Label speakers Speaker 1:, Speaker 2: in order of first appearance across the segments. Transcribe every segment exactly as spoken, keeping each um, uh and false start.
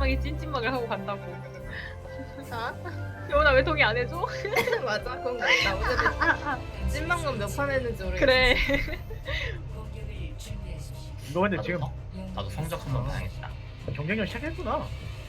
Speaker 1: 상대방이 찐찐막을 하고 간다고.
Speaker 2: 아?
Speaker 1: 여원아 왜 동의 안 해줘?
Speaker 2: 맞아 그런 거 있다. 어제도 찐망건 몇 판 했는지 모르겠어.
Speaker 1: 그래.
Speaker 3: 이거 근데
Speaker 4: 나도
Speaker 3: 지금
Speaker 4: 성, 나도 성적 한번 봐야겠다.
Speaker 3: 경쟁력 시작했구나.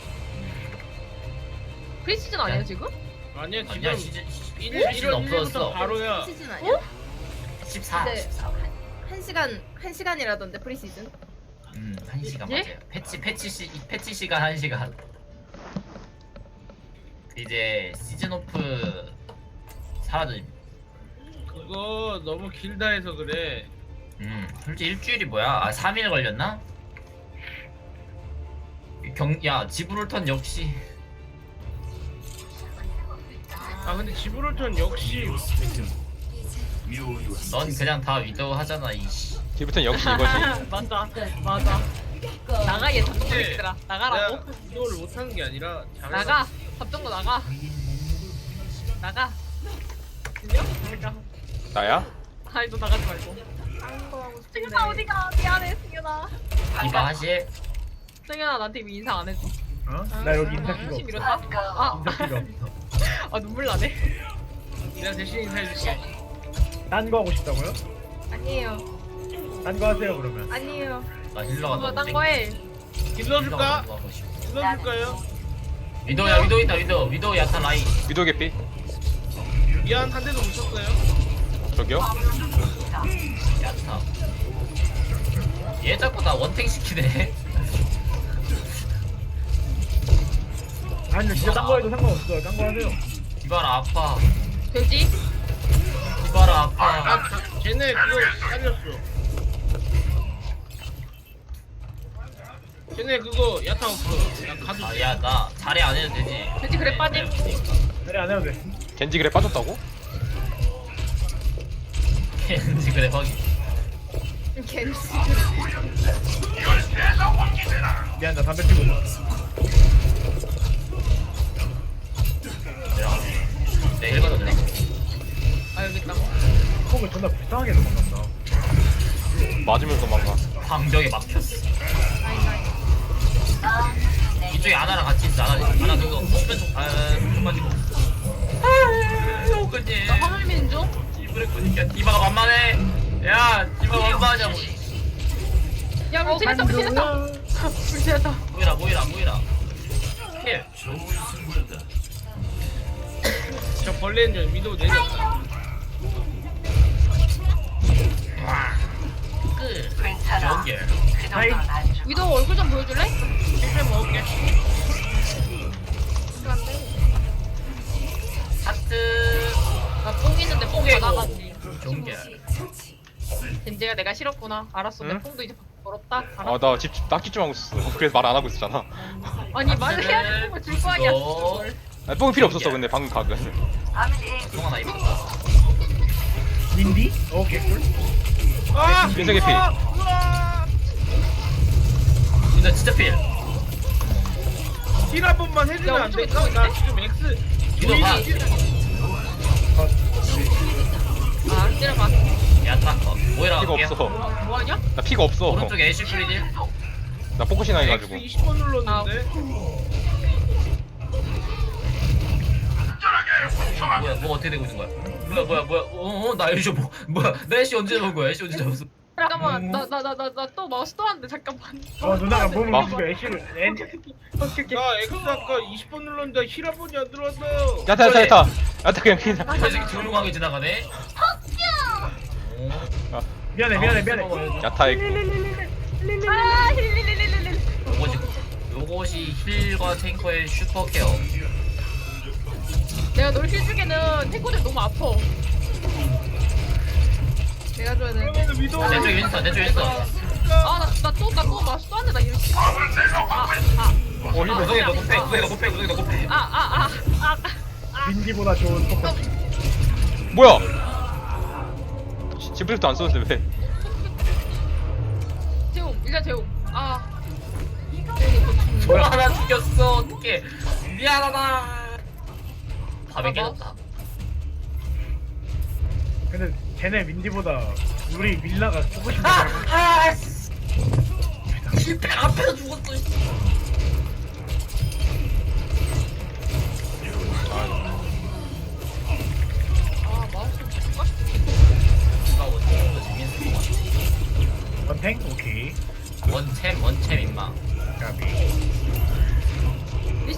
Speaker 1: 프리시즌 아니야 지금?
Speaker 5: 아니야 지금
Speaker 4: 아니야 시즌
Speaker 5: 일,
Speaker 4: 시즌
Speaker 5: 일월 일일부터
Speaker 4: 없어졌어.
Speaker 5: 바로야.
Speaker 2: 시즌 아니야?
Speaker 4: 십사,
Speaker 2: 네.
Speaker 4: 십사.
Speaker 2: 한 시간 한 시간이라던데 프리시즌?
Speaker 4: 음, 한 시간
Speaker 1: 예?
Speaker 4: 맞아요. 패치 패치 시 패치 시간 한 시간. 이제 시즌 오프 사라짐.
Speaker 5: 그거 너무 길다 해서 그래.
Speaker 4: 음, 솔직히 일주일이 뭐야? 아, 삼 일 걸렸나? 경, 야, 지브롤턴 역시.
Speaker 5: 아 근데 지브롤턴 역시
Speaker 4: 넌 그냥 다 위도우 하잖아, 이씨.
Speaker 6: 뒤부터는 역시 이거지.
Speaker 1: 맞아 맞아. 나가 얘 잡동거
Speaker 5: 네.
Speaker 1: 얘들아
Speaker 5: 내가
Speaker 1: 나가라고.
Speaker 5: 이도를 못하는 게 아니라 잘해서-
Speaker 1: 나가 잡동거 나가. 나가. 들려? 나가.
Speaker 6: 나야?
Speaker 1: 아니 너 나가지 말고.
Speaker 2: 딴거 하고 싶은데.
Speaker 1: 승현아 어디가? 미안해 승현아.
Speaker 4: 이봐 하실.
Speaker 1: 승현아 나한테 왜 인사 안 해줘?
Speaker 3: 어? 나 여기 인사 필요
Speaker 1: 열심히
Speaker 3: 없어.
Speaker 1: 밀었다. 아,
Speaker 3: 인사 필요 없어.
Speaker 1: 아 눈물 나네.
Speaker 5: 내가 대신 인사해줄게.
Speaker 3: 딴 거 하고 싶다고요?
Speaker 2: 아니에요.
Speaker 3: 딴 거 하세요 그러면.
Speaker 2: 아니에요.
Speaker 4: 나 힐러가
Speaker 1: 이거
Speaker 4: 너무
Speaker 1: 딴
Speaker 4: 땡-
Speaker 1: 거 해.
Speaker 5: 길러줄까?
Speaker 4: 힐러가 너무 하고 싶어.
Speaker 5: 길러줄까요?
Speaker 4: 위도우야, 위도우 있다, 위도우. 위도우 야타 라인.
Speaker 6: 위도 개피?
Speaker 5: 미안 한 대도 못 쳤어요.
Speaker 6: 저기요?
Speaker 4: 야타. 얘 자꾸 나 원탱 시키네.
Speaker 3: 아니 근데 진짜 딴 거 해도 상관없어요. 딴 거 하세요.
Speaker 4: 디바라 아파.
Speaker 1: 돼지?
Speaker 4: 디바라 아파.
Speaker 5: 아 자, 쟤네 그거 잘렸어. 쟤네 그거 야타 없어. 나 가도
Speaker 4: 아,
Speaker 5: 돼.
Speaker 4: 야, 나 자리 안 해도 되지.
Speaker 1: 돼지 그래 빠짐.
Speaker 3: 그래 안 해도 돼.
Speaker 6: 겐지 그래 빠졌다고?
Speaker 4: 왠지 그래, 확인.
Speaker 2: 겐지.
Speaker 3: 미안 나 담배 피고 있어.
Speaker 4: 내려가. 내 힐 받았네.
Speaker 1: 아 여기 있다.
Speaker 3: 콩을 존나 불쌍하게 넘어간다.
Speaker 6: 맞으면 도망가.
Speaker 4: 방벽에 막혔어. 이쪽에 아나랑 같이 있어. 아나, 아나 그거 왼쪽, 아, 왼쪽 빠지고. 아, 호그님.
Speaker 1: 나 화물 미는 중.
Speaker 4: 이브레코니까 디바가 만만해. 야, 디바가 만만하냐고.
Speaker 1: 야 물질했다 물질했다. 물질했다.
Speaker 4: 모이라, 모이라, 모이라. 힐.
Speaker 5: 저 벌레는 저 위도 내렸다.
Speaker 4: 와. 끝. 연결.
Speaker 3: 하이.
Speaker 1: 위도 얼굴 좀 보여줄래?
Speaker 5: 힐 먹을게.
Speaker 4: 하트.
Speaker 1: 나뽕 있는데 뽕
Speaker 4: 뽕이고.
Speaker 1: 받아가지.
Speaker 4: 연결.
Speaker 1: 젠제가 내가 싫었구나. 알았어. 내
Speaker 6: 응?
Speaker 1: 뽕도 이제 벌었다.
Speaker 6: 아, 나 집 딱 집중 하고 있었어. 그래서 말 안 하고 있었잖아.
Speaker 1: 아니 말을 해야 되는 걸 줄 거 아니야.
Speaker 4: 너.
Speaker 6: 아, 뽕이 필요 없었어, 근데 방금 각은.
Speaker 4: 송 하나 입었다.
Speaker 3: 인디? 오케이 꿀.
Speaker 5: 아!
Speaker 6: 민석이 피.
Speaker 5: 우와! 우와!
Speaker 4: 진짜 진짜 필.
Speaker 5: 힐 한 번만 해주면
Speaker 1: 야,
Speaker 5: 안
Speaker 1: 오른쪽에
Speaker 5: 될까?
Speaker 1: 누구
Speaker 5: 나
Speaker 1: 있는데?
Speaker 5: 지금 X
Speaker 4: 위도 봐.
Speaker 1: 아 때려봐.
Speaker 4: 야타 컷. 모이라
Speaker 6: 피가
Speaker 4: 갈게요.
Speaker 6: 없어.
Speaker 1: 뭐, 뭐하냐?
Speaker 6: 나 피가 없어.
Speaker 4: 오른쪽에 애쉬 프리딜.
Speaker 6: 나 포커싱
Speaker 5: X
Speaker 6: 해가지고.
Speaker 5: 이십 번 눌렀는데.
Speaker 4: 뭐야, 뭐 어떻게 되고 있는 거야? 뭐야, 뭐야, 뭐야? 어, 어, 나 애쉬 뭐, 뭐야? 나 애쉬 언제 잡은 거야? 애쉬 언제 잡았어?
Speaker 1: 잠깐만 나 나 나 나 나 또 마우스 또 왔는데 잠깐만.
Speaker 3: 어 누나가 몸을
Speaker 6: 마-
Speaker 3: 움직여 애쉬를. 엔.
Speaker 1: 오케이 오케이.
Speaker 5: 나 X 아까 이십 번 눌렀는데 힐 한 번이 안 들어왔어요.
Speaker 6: 야타, 야타, 야타. 야타 그냥 피자.
Speaker 4: 이 새끼 조용하게 지나가네. 어,
Speaker 3: 미안해 미안해 미안해.
Speaker 6: 야타 있고.
Speaker 1: 아 힐릴릴릴릴릴.
Speaker 4: 요것이 요것이 힐과 탱커의 슈퍼 케어.
Speaker 1: 내가 널 힐주기는 탱커들 너무 아파.
Speaker 2: 내가 줘야 되는데.
Speaker 5: 그러면 위도
Speaker 4: 내 쪽에 윈스턴, 내 쪽에 윈스턴.
Speaker 1: 아나나또나또 마우스 또 왔네 나 이렇게.
Speaker 4: 어, 힐 구석에 너 곱해, 구석에 너 곱해, 구석에 너 곱해.
Speaker 1: 아아아아
Speaker 3: 민디보다 좋은 포커스.
Speaker 6: 뭐야? 지브리프트 안 썼는데 왜?
Speaker 1: 재움 일단 재움. 아
Speaker 4: 뭐야, 하나 죽였어. 어떡해. 미안하다. 밥에 깨졌다.
Speaker 3: 근데 쟤네 민디보다 우리 밀라가 쓰고 싶은
Speaker 4: 아!
Speaker 3: 거.
Speaker 4: 아! 씨. 힐백 앞에서 죽었어. 씨.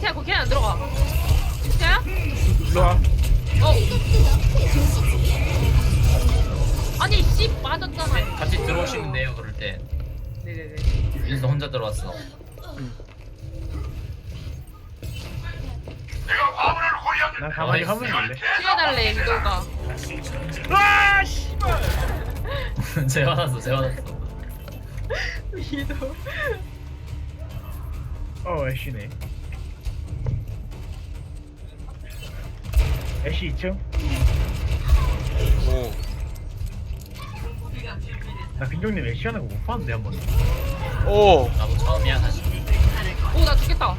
Speaker 1: 태야 거기 안 들어가. 태야?
Speaker 3: 일로와.
Speaker 1: 어. 아니 씨 빠졌잖아.
Speaker 4: 같이 들어오시면 돼요 그럴 때.
Speaker 1: 네네네.
Speaker 4: 윈스 혼자 들어왔어.
Speaker 3: 난 가만히 하면 될래.
Speaker 1: 피해달래 위도가.
Speaker 3: 아 씨발.
Speaker 4: 제 화났어 제 화났어.
Speaker 1: 위도.
Speaker 3: 어 애쉬네. 애쉬 이 층.
Speaker 6: 오.
Speaker 3: 나 빈종님 애쉬 하는 거 못 봤는데 한 번.
Speaker 6: 오.
Speaker 4: 나도 처음이야 사실.
Speaker 1: 오나 죽겠다. 오.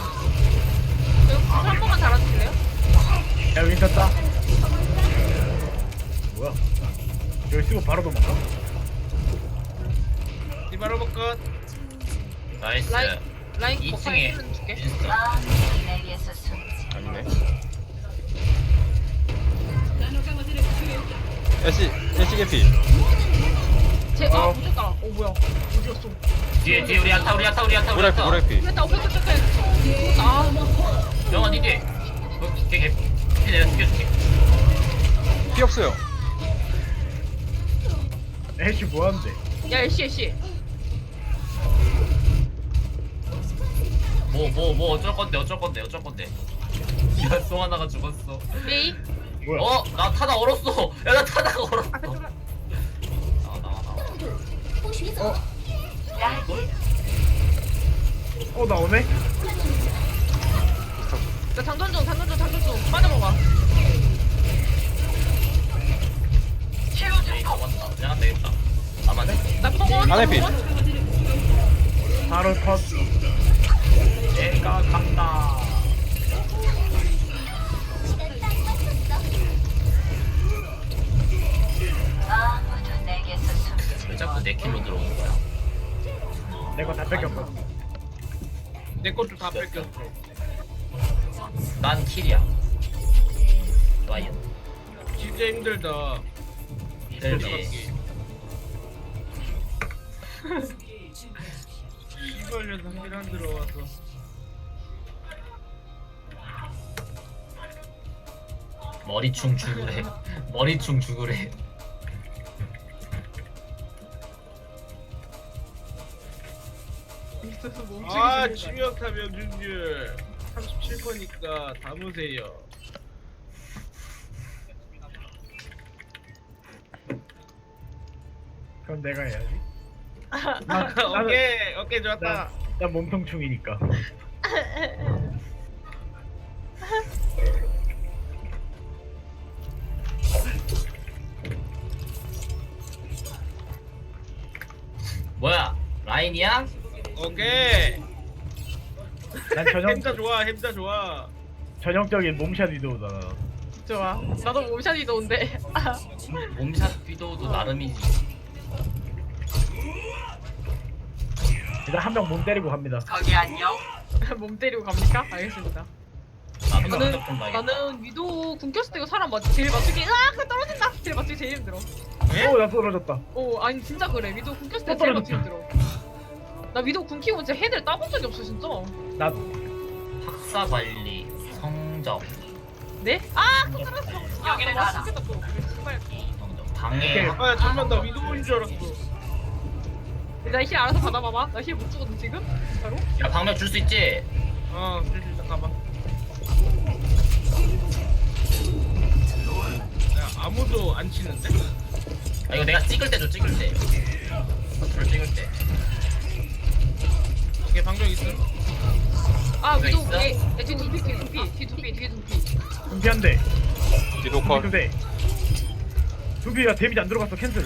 Speaker 1: 한 번만 달아주실래요?
Speaker 3: 야 윈터 따. 뭐야? 여기 쓰고 바로 도망가?
Speaker 5: 디바로 것.
Speaker 4: 나이스.
Speaker 1: 라인 라인
Speaker 4: 이
Speaker 1: 먹방에
Speaker 4: 층에
Speaker 1: 힐 줄게.
Speaker 4: 윈스.
Speaker 6: 아니네. 애쉬 애쉬 개피.
Speaker 1: 제아
Speaker 3: 어.
Speaker 1: 부셨다. 어 뭐야? 어디였어?
Speaker 4: 뒤에 뒤에 우리 야타 우리 야타 우리 야타 우리
Speaker 6: 모래피
Speaker 4: 야타.
Speaker 6: 모래피.
Speaker 1: 됐다. 오케이 오케이 오케이. 아
Speaker 4: 영아 니 뒤에. 어, 걔 걔. 걔 내가 죽여줄게.
Speaker 6: 피 없어요.
Speaker 3: 애쉬 뭐 하는데?
Speaker 1: 야 애쉬 애쉬.
Speaker 4: 뭐 뭐 뭐 어쩔 건데 어쩔 건데 어쩔 건데. 야 송하나가 죽었어.
Speaker 1: 메이.
Speaker 3: 뭐야?
Speaker 4: 어 나 타다 얼었어. 야 나 타다가 얼었어.
Speaker 1: 앞에 좀.
Speaker 4: 나와 나와 나와.
Speaker 3: 어 나 오네?
Speaker 1: 나 장전 중 장전 중 장전 중 빠져먹어.
Speaker 4: 에이 잡았다. 그냥 안 되겠다. 나만 돼.
Speaker 1: 나 펑원.
Speaker 6: 안에 피.
Speaker 3: 바로 컷.
Speaker 4: 내가 간다. 왜 자꾸 내 킬로 들어오는 거야?
Speaker 3: 내 거 다 뺏겼거든.
Speaker 5: 내 것도 다 뺏겼어.
Speaker 4: 난 킬이야. 좋아요.
Speaker 5: 진짜 힘들다.
Speaker 4: 힘들지.
Speaker 5: 씨발 녀석 힐안 들어와서.
Speaker 4: 머리충 죽으래. 머리충 죽으래.
Speaker 1: 있어서 뭐
Speaker 5: 아
Speaker 1: 움직이지.
Speaker 5: 치명타 명중률 삼십칠 퍼니까 담으세요.
Speaker 3: 그럼 내가 해야지.
Speaker 5: 오케이 오케이 좋았다.
Speaker 3: 나, 나 몸통충이니까.
Speaker 4: 뭐야? 라인이야?
Speaker 5: 오케이.
Speaker 3: 난 전형
Speaker 5: 햄자 좋아 햄자 좋아.
Speaker 3: 전형적인 몸샷 위도우다.
Speaker 1: 좋아. 나도 몸샷이 좋은데.
Speaker 4: 몸샷 위도우도 나름이지.
Speaker 3: 일단 한 명 몸 때리고 갑니다.
Speaker 1: 몸 때리고 갑니까? 알겠습니다.
Speaker 4: 나도
Speaker 1: 나는
Speaker 4: 한적좀 봐야겠다.
Speaker 1: 나는 위도 궁 꼈을 때 이거 사람 맞 제일 맞추기. 아, 그 떨어진다. 제일 맞추기 제일 힘들어.
Speaker 3: 어 나 떨어졌다.
Speaker 1: 오, 아니 진짜 그래. 위도 궁 꼈을 때
Speaker 3: 또
Speaker 1: 제일 맞추기
Speaker 3: 떨어졌다.
Speaker 1: 힘들어. 나 위도 궁 키고 진짜 헤드를 따본 적이 없어 진짜.
Speaker 3: 나
Speaker 4: 학사 관리, 성적,
Speaker 1: 네? 아, 또 떨어졌어. 야, 나 맞추겠다 또. 정말.
Speaker 4: 성적, 방해.
Speaker 5: 아 잠만 나 위도우인 줄 알았어.
Speaker 1: 나 힐 알아서 받아봐봐. 나 힐 못 주거든 지금. 바로.
Speaker 4: 야 방면 줄 수 있지?
Speaker 5: 어 슬슬 잠깐만. 야 아무도 안 치는데?
Speaker 4: 아 이거 내가 찍을 때줘 찍을 때. 컨트롤 찍을 때.
Speaker 5: 오케이 방정 있음.
Speaker 1: 아,
Speaker 4: 왜
Speaker 1: 위도
Speaker 4: 있어?
Speaker 1: 뒤에. 야, 뒤에 두피, 뒤에 두피, 뒤에 두피, 뒤에 두피.
Speaker 3: 두피 한 대.
Speaker 6: 뒤도
Speaker 3: 두피
Speaker 6: 컷.
Speaker 3: 두 대. 두피가 데미지 안 들어갔어 캔슬.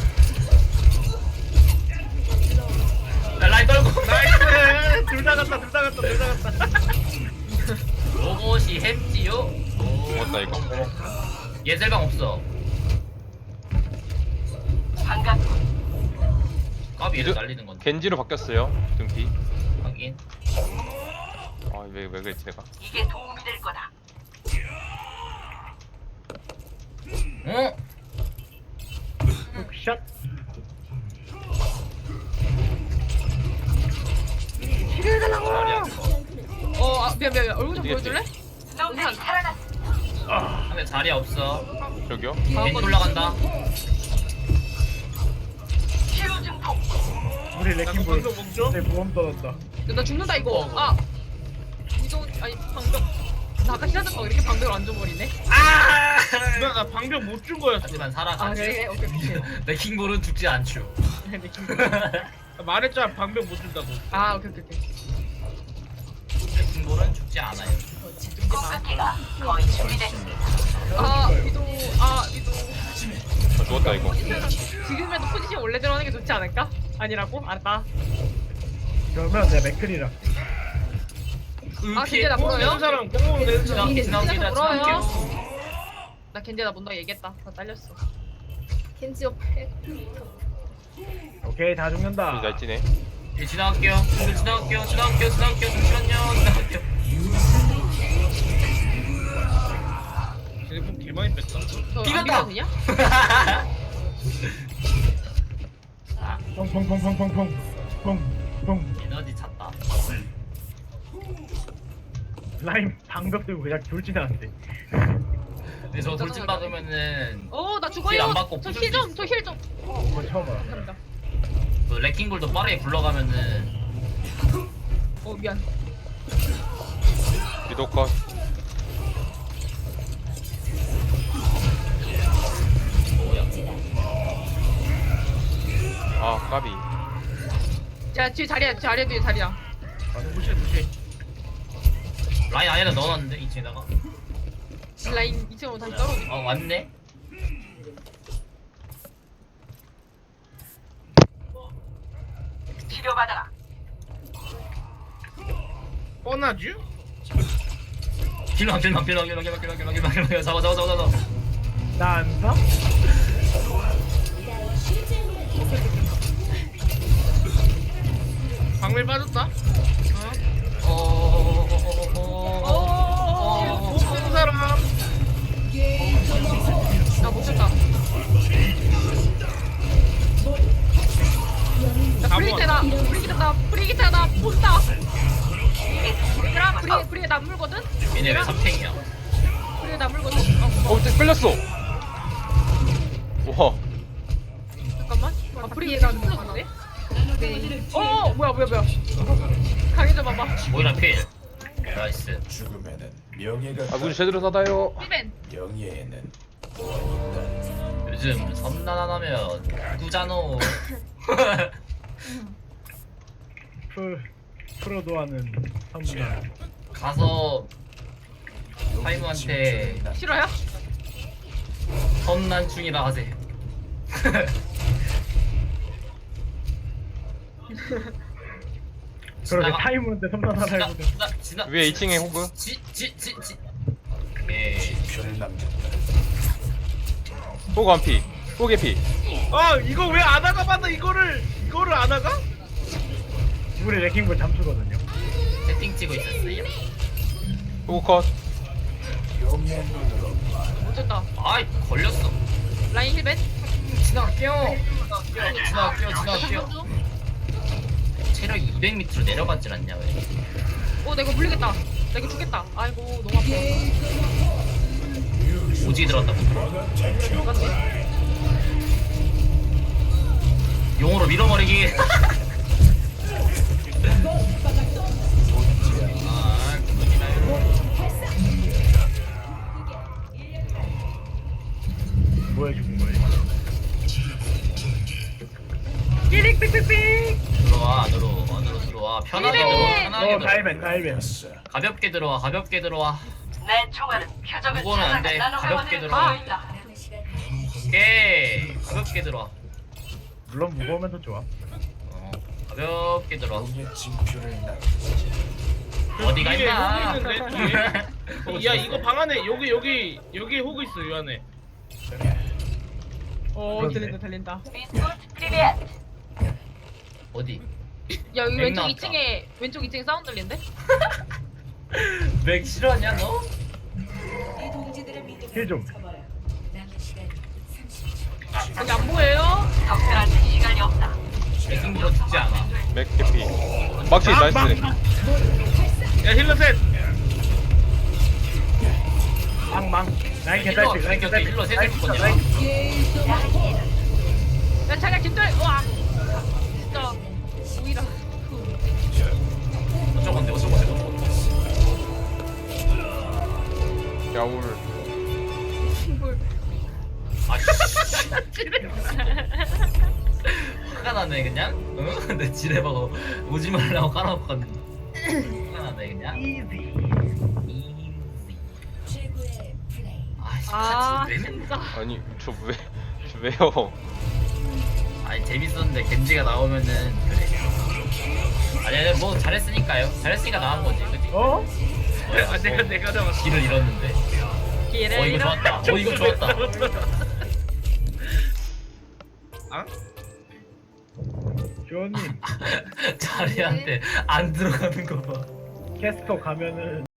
Speaker 4: 야 라인 떨고.
Speaker 5: 나이스. 둘 다 갔다 둘 다 갔다 둘 다 갔다.
Speaker 4: 로봇이 햄지요? 오.
Speaker 6: 죽었다 이거.
Speaker 4: 예절방 없어. 까비를
Speaker 6: 이제-
Speaker 4: 날리는 건데.
Speaker 6: 겐지로 바뀌었어요. 등피.
Speaker 4: 하긴.
Speaker 6: 아왜 왜 그랬지 내가.
Speaker 4: 어?
Speaker 3: 샷.
Speaker 4: 자리야.
Speaker 1: 어, 아, 아 미안 미안 미안. 얼굴 좀
Speaker 6: 어디겠지?
Speaker 1: 보여줄래? 우산.
Speaker 4: 근데 자리 없어.
Speaker 6: 저기요?
Speaker 4: 벤치 올라간다.
Speaker 3: 우리 레킹볼
Speaker 5: 방금 먹죠?
Speaker 3: 내 보험 떠났다.
Speaker 1: 나 죽는다 이거. 아 이동 아니 방벽. 나 아까 시작했거 이렇게 방벽을 안 줘버리네.
Speaker 4: 아!
Speaker 5: 나, 나 방금 못 준 거였어.
Speaker 4: 하지만
Speaker 1: 아
Speaker 4: 살아가지.
Speaker 1: 그래 오케이 오케이.
Speaker 4: 내 킹볼은 죽지 않죠.
Speaker 5: 나 말했잖아 방금 못 준다고.
Speaker 1: 아 오케이 오케이 오케이.
Speaker 4: 내 킹볼은 죽지 않아요.
Speaker 1: 아 위도 아 위도.
Speaker 6: 아, 죽었다 이거.
Speaker 1: 지금이라도 포지션 원래 들어가는 게 좋지 않을까? 아니라고? 알았다.
Speaker 3: 그러면 내가 맥클이라.
Speaker 1: 아
Speaker 4: 피해.
Speaker 1: 근데 나
Speaker 5: 공
Speaker 1: 물어요?
Speaker 5: 내는 사람 공 내는 사람.
Speaker 4: 지나 지나갑니다.
Speaker 1: 진짜 물어요?
Speaker 4: 지나갈게요.
Speaker 1: 나 겐제 나 본다고 얘기했다. 나 잘렸어.
Speaker 2: 켄지 옆에.
Speaker 3: 오케이 다 죽는다.
Speaker 6: 잘 찌네.
Speaker 4: 예, 지나갈게요. 지금 지나갈게요. 지나갈게요. 지나갈게요. 잠시만요. 지나갈게요.
Speaker 5: 쟤네 공 개많이 뺐다.
Speaker 1: 저
Speaker 4: 비겼다.
Speaker 1: 안 비벼도 되냐?
Speaker 3: 펑펑펑펑펑펑 펑펑.
Speaker 4: 에너지 찼다.
Speaker 3: 라임 방벽 들고 그냥 돌진하는데.
Speaker 4: 근데 저 돌진 박으면은
Speaker 1: 어나
Speaker 4: 힐
Speaker 1: 죽어요.
Speaker 4: 안 받고
Speaker 1: 저
Speaker 4: 부술
Speaker 1: 힐 좀, 저 힐 좀.
Speaker 3: 이거 처음 알아.
Speaker 1: 감사합니다.
Speaker 4: 그 레킹볼도 빠르게 굴러가면은
Speaker 1: 어 미안.
Speaker 6: 위도 컷.
Speaker 4: 뭐야?
Speaker 6: 아 까비.
Speaker 1: 야 뒤에 자리야 자리야 뒤에 자리야.
Speaker 5: 아 무시해 무시해.
Speaker 4: 라인 안에다 넣어놨는데 이 층에다가.
Speaker 1: 라인 이 층으로 다시 떨어지.
Speaker 4: 어 왔네.
Speaker 5: 뻔하지?
Speaker 4: 길망 길망 길망 길망 길망 길망 길망 길망 길망 잡아 잡아 잡아 잡아.
Speaker 3: 나안 사?
Speaker 5: 방밀 빠졌다.
Speaker 4: 어어어어어어.
Speaker 5: 공 쓰는 사람.
Speaker 1: 나못 쳤다. 나 프리기테다. 프리기테다. 프리기테다. 본다. 얘들아 프리 프리 나 물거든.
Speaker 4: 얘네 왜 삼탱이야?
Speaker 1: 프리 나 물거든. 어,
Speaker 6: 어 쟤 끌렸어. 와.
Speaker 1: 잠깐만. 아 프리가 풀렸네. 어 뭐야 뭐야 뭐야. 강해져 봐봐.
Speaker 4: 모이라 필. 나이스.
Speaker 7: 죽음에는 명예가
Speaker 6: 아 문이 제대로 닫아요.
Speaker 1: 힐벤.
Speaker 7: 명예에는
Speaker 4: 요즘 섬나나면 누구잖아.
Speaker 3: 프로 프로도 하는 선수다.
Speaker 4: 가서 타이머한테
Speaker 1: 싫어요?
Speaker 4: 섬난충이라 하세요.
Speaker 3: 그러게 타이머인데 섬나나라
Speaker 4: 지나
Speaker 3: 해보자.
Speaker 4: 지나 지나
Speaker 6: 위에 이 층에 호그.
Speaker 4: 지지지지 예.
Speaker 7: 표를 남겼다.
Speaker 6: 호그 한 피. 호그 피.
Speaker 5: 아 이거 왜 안 하가 봤나 이거를 이거를 안 하가?
Speaker 3: 우리 레킹볼 잠수거든요.
Speaker 4: 채팅 치고 있었어요.
Speaker 6: 호그 컷.
Speaker 7: 영의 눈으로
Speaker 1: 못 쳤다.
Speaker 4: 아이 걸렸어.
Speaker 1: 라인 힐벤.
Speaker 4: 지나갈게요. 지나갈게요. 지나갈게요. 체력이 이백 미터로 내려갔질 않냐 왜?
Speaker 1: 어 내가 물리겠다. 나 이거 죽겠다. 아이고 너무 아파.
Speaker 4: 오지 들어갔다.
Speaker 1: 들어갔네.
Speaker 4: 용으로 밀어버리기. 아, 그거지나요.
Speaker 3: 뭐 해주는 거야?
Speaker 4: 들어와 안으로 안으로 들어와 편하게 들어와 편하게
Speaker 3: 어
Speaker 4: 들어와
Speaker 3: 다이벤 다이벤.
Speaker 4: 가볍게 들어와 가볍게 들어와
Speaker 8: 내 총알은 표적을
Speaker 4: 무거는 안 돼.
Speaker 8: 찾아가
Speaker 4: 가볍게
Speaker 8: 나눠가는
Speaker 4: 들어와.
Speaker 8: 거이다.
Speaker 4: 오케이 가볍게 들어와
Speaker 3: 물론 무거우면 더 좋아.
Speaker 4: 어 가볍게 들어와
Speaker 7: 영의 징표를 남.
Speaker 4: 어디가
Speaker 5: 뒤에
Speaker 4: 있나
Speaker 5: 호그 있는데 뒤에. 야 이거 방 안에 여기 여기 여기 호그 있어 이 안에.
Speaker 1: 어
Speaker 3: 그렇네.
Speaker 1: 들린다 들린다.
Speaker 8: 비스코트 프리벳.
Speaker 4: 어디
Speaker 1: 야 여기
Speaker 4: 맥
Speaker 1: 왼쪽
Speaker 4: 나왔다.
Speaker 1: 이 층에 왼쪽 이 층에 사운드 들린데?
Speaker 4: 맥 싫어하냐 너?
Speaker 3: 힐 좀.
Speaker 1: 여기 안 보여요?
Speaker 8: 적절할 때 시간이 없다.
Speaker 4: 맥킹으로 죽지 않아
Speaker 6: 맥 개피. 막치 나이스.
Speaker 5: 야 힐러 셋.
Speaker 3: 망망 라인
Speaker 4: 힐러
Speaker 3: 개딸피 라인
Speaker 4: 힐러
Speaker 3: 개딸피
Speaker 4: 힐러 셋을
Speaker 3: 라인
Speaker 4: 묶었냐?
Speaker 3: 라인
Speaker 1: 야 자기가 김돌 와 진짜 오이라
Speaker 4: 어쩌건데 어쩌건데 어쩌건데.
Speaker 6: 야울.
Speaker 4: 아 씨. 화가 나네 그냥. 응? 내 지뢰박어 오지 말라고 깔아놓고 갔는데. 화가 나네 그냥.
Speaker 3: 이지
Speaker 4: 아씨
Speaker 1: 아
Speaker 4: 같이 왜
Speaker 1: 진짜
Speaker 6: 아니 저 왜? 저 왜요?
Speaker 4: 아니 재밌었는데 겐지가 나오면은 그래. 아니 아니 뭐 잘했으니까요. 잘했으니까 나온 거지, 그지?
Speaker 3: 어?
Speaker 5: 아, 내가 내가 잡았어.
Speaker 4: 길을 잃었는데.
Speaker 1: 기회를
Speaker 4: 어 이거
Speaker 1: 잃어
Speaker 4: 좋았다. 어 이거 좋았다.
Speaker 5: 아?
Speaker 3: 조언님
Speaker 4: 자리한테 안 들어가는 거 봐.
Speaker 3: 캐스터 가면은